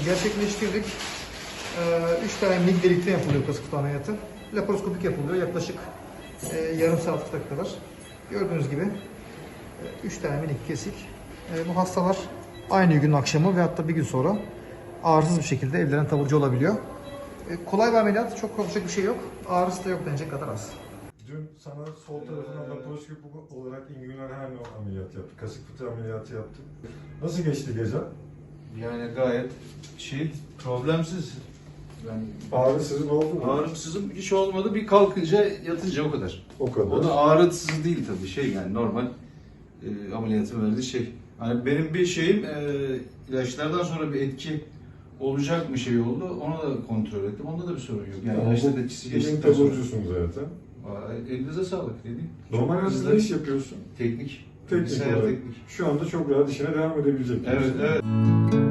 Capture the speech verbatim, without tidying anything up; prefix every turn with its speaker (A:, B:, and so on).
A: gerçekleştirdik. üç tane mil delikte yapılıyor kasık kutu ameliyatı. Laparoskopik yapılıyor yaklaşık e, yarım saat kadar. Gördüğünüz gibi üç tane minik kesik. E, bu hastalar aynı gün akşamı ve hatta bir gün sonra ağrısız bir şekilde evlerine taburcu olabiliyor. E, kolay bir ameliyat, çok korkacak bir şey yok. Ağrısı da yok denecek kadar az.
B: Dün sana sol tarafından laparoskopik olarak inguinal hernia ameliyatı yaptık. Kasık fıtığı ameliyatı yaptık. Nasıl geçti gece?
C: Yani gayet şey, problemsiz. Yani
B: Ağrısızın oldu mu?
C: ağrımsızım hiç olmadı. Bir kalkınca yatınca o kadar.
B: O kadar.
C: O da ağrısız değil tabii, şey yani normal e, ameliyatın verdiği şey. Hani benim bir şeyim e, ilaçlardan sonra bir etki olacak mı şey oldu. Onu da kontrol ettim. Onda da bir sorun yok. Yani ilaçların etkisi
B: Elin
C: geçtikten sonra.
B: taburcusun zaten.
C: Aa, elinize sağlık dedim.
B: Normal hayatında ne iş yapıyorsun?
C: Teknik.
B: Teknik
C: Bilgisayar
B: olarak.
C: teknik.
B: Şu anda çok rahat işine devam edebilecek.
C: Evet, evet.